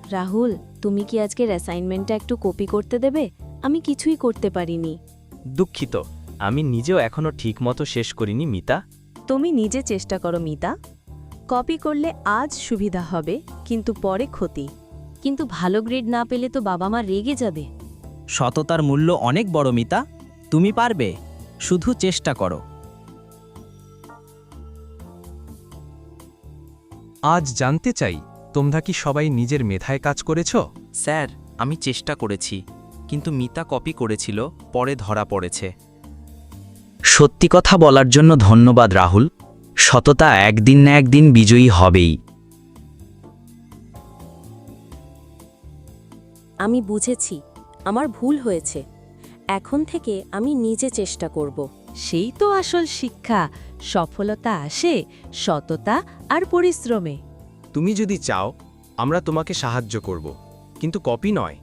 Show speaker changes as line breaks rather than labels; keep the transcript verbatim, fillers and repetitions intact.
রাহুল, তুমি কি আজকের অ্যাসাইনমেন্টটা একটু কপি করতে দেবে? আমি কিছুই করতে পারিনি।
দুঃখিত, আমি নিজেও এখনো ঠিকমতো শেষ করিনি মিতা।
তুমি নিজে চেষ্টা করো মিতা। কপি করলে আজ সুবিধা হবে, কিন্তু পরে ক্ষতি। কিন্তু ভালো গ্রেড না পেলে তো বাবা মা রেগে যাবে।
সততার মূল্য অনেক বড় মিতা, তুমি পারবে, শুধু চেষ্টা করো।
আজ জানতে চাই, তোমরা কি সবাই নিজের মেধায় কাজ করেছ?
স্যার, আমি চেষ্টা করেছি, কিন্তু মিতা কপি করেছিল, পরে ধরা পড়েছে।
সত্যি কথা বলার জন্য ধন্যবাদ রাহুল। সততা একদিন না একদিন বিজয়ী হবেই।
আমি বুঝেছি, আমার ভুল হয়েছে। এখন থেকে আমি নিজে চেষ্টা করব। সেই তো আসল শিক্ষা। সফলতা আসে সততা আর পরিশ্রমে।
তুমি যদি চাও, আমরা তোমাকে সাহায্য করব, কিন্তু কপি নয়।